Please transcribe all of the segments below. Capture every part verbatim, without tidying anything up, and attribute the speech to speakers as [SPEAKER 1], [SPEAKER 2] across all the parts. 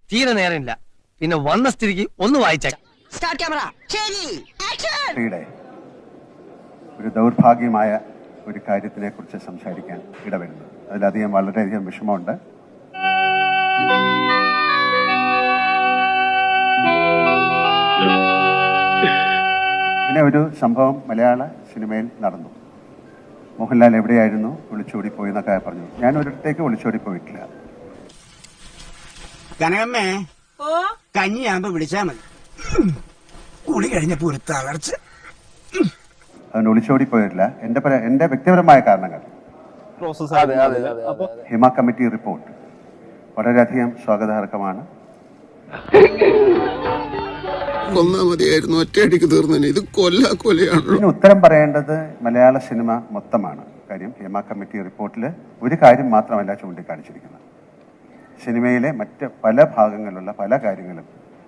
[SPEAKER 1] തീരെ നേരമില്ല. പിന്നെ വന്ന സ്ഥിതിക്ക് ഒന്ന് വായിച്ചേക്കാം.
[SPEAKER 2] സ്റ്റാർട്ട് ക്യാമറ ശരി ആക്ഷൻ.
[SPEAKER 3] ഒരു ദൗർഭാഗ്യമായ ഒരു കാര്യത്തിനെ കുറിച്ച് സംസാരിക്കാൻ ഇടവരുന്നത്, അതിലധികം വളരെയധികം വിഷമമുണ്ട്. പിന്നെ ഒരു സംഭവം മലയാള സിനിമയിൽ നടന്നു. മോഹൻലാൽ എവിടെയായിരുന്നു, ഒളിച്ചോടി പോയി എന്നൊക്കെ പറഞ്ഞു. ഞാൻ ഒരിടത്തേക്ക് ഒളിച്ചോടി പോയിട്ടില്ല.
[SPEAKER 4] കനകമ്മേ കഞ്ഞിയാകുമ്പോ വിളിച്ചാ മതി, കുളി കഴിഞ്ഞപ്പോ ഒരു തളർച്ച.
[SPEAKER 3] അതുകൊണ്ട് ഒളിച്ചോടി പോയിട്ടില്ല. എന്റെ പല എന്റെ വ്യക്തിപരമായ കാരണങ്ങൾ. ഹിമ കമ്മിറ്റി റിപ്പോർട്ട് വളരെയധികം സ്വാഗതാർഹമാണ്.
[SPEAKER 5] കൊന്നാ മതിയായിരുന്നു, ഒറ്റയടിക്ക് തീർന്നു. ഇത് കൊല്ല കൊലയാണല്ലോ.
[SPEAKER 3] ഇതിന് ഉത്തരം പറയേണ്ടത് മലയാള സിനിമ മൊത്തമാണ്. കാര്യം ഹിമ കമ്മിറ്റി റിപ്പോർട്ടിൽ ഒരു കാര്യം മാത്രമല്ല ചൂണ്ടിക്കാണിച്ചിരിക്കുന്നത്. സിനിമയിലെ മറ്റ് പല ഭാഗങ്ങളിലുള്ള പല കാര്യങ്ങളും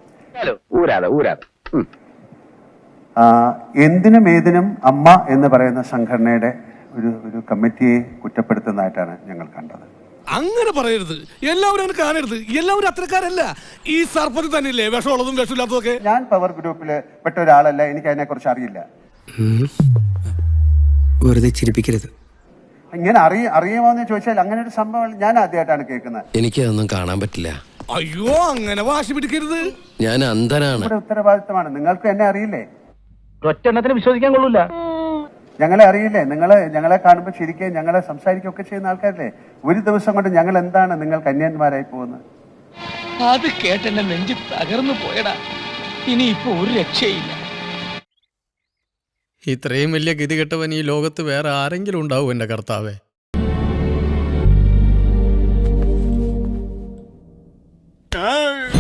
[SPEAKER 3] എന്തിനും ഏതിനും അമ്മ എന്ന് പറയുന്ന സംഘടനയുടെ ഒരു ഒരു കമ്മിറ്റിയെ കുറ്റപ്പെടുത്തുന്നതായിട്ടാണ് ഞങ്ങൾ കണ്ടത്.
[SPEAKER 6] അങ്ങനെ പറയരുത്, എല്ലാവരും അങ്ങനെ കാണരുത്. എല്ലാവരും അത്രക്കാരല്ല. ഈ സർപ്പത്തിൽ തന്നെയല്ലേ വിഷമുള്ളതും വിഷമില്ലാത്തതൊക്കെ.
[SPEAKER 3] ഞാൻ പവർ ഗ്രൂപ്പിൽ പെട്ട ഒരാളല്ല, എനിക്ക് അതിനെ കുറിച്ച് അറിയില്ല.
[SPEAKER 5] വെറുതെ ചിരിപ്പിക്കരുത്.
[SPEAKER 3] ഇങ്ങനെ അറിയ അറിയുമോ എന്ന് ചോദിച്ചാൽ അങ്ങനെ ഒരു സംഭവം ഞാൻ ആദ്യമായിട്ടാണ് കേൾക്കുന്നത്.
[SPEAKER 7] എനിക്കതൊന്നും കാണാൻ പറ്റില്ല.
[SPEAKER 6] അയ്യോ, അങ്ങനെ വാശി പിടിക്കരുത്.
[SPEAKER 7] ഞാൻ അന്ധനാണ്.
[SPEAKER 3] ഇവിടെ ഉത്തരവാദിത്തമാണ്. നിങ്ങൾക്ക് എന്നെ അറിയില്ലേ?
[SPEAKER 1] ഒറ്റെണ്ണത്തിന് വിശ്വസിക്കാൻ കൊള്ളൂല.
[SPEAKER 3] ഞങ്ങളെ അറിയില്ലേ? നിങ്ങൾ ഞങ്ങളെ കാണുമ്പോൾ ചിരിക്കുകയും ഞങ്ങളെ സംസാരിക്കുകയൊക്കെ ചെയ്യുന്ന ആൾക്കാരല്ലേ? ഒരു ദിവസം കൊണ്ട് ഞങ്ങൾ എന്താണ് നിങ്ങൾ കന്യാന്മാരായി പോകുന്നത്?
[SPEAKER 1] അത് കേട്ടെന്നെ നെഞ്ചി തകർന്നു പോയടാ. ഇനി ഇപ്പൊ ഒരു രക്ഷയില്ല.
[SPEAKER 8] ഇത്രയും വലിയ ഗതികെട്ടവൻ ഈ ലോകത്ത് വേറെ ആരെങ്കിലും ഉണ്ടാവും എന്റെ കർത്താവേ?
[SPEAKER 6] ആ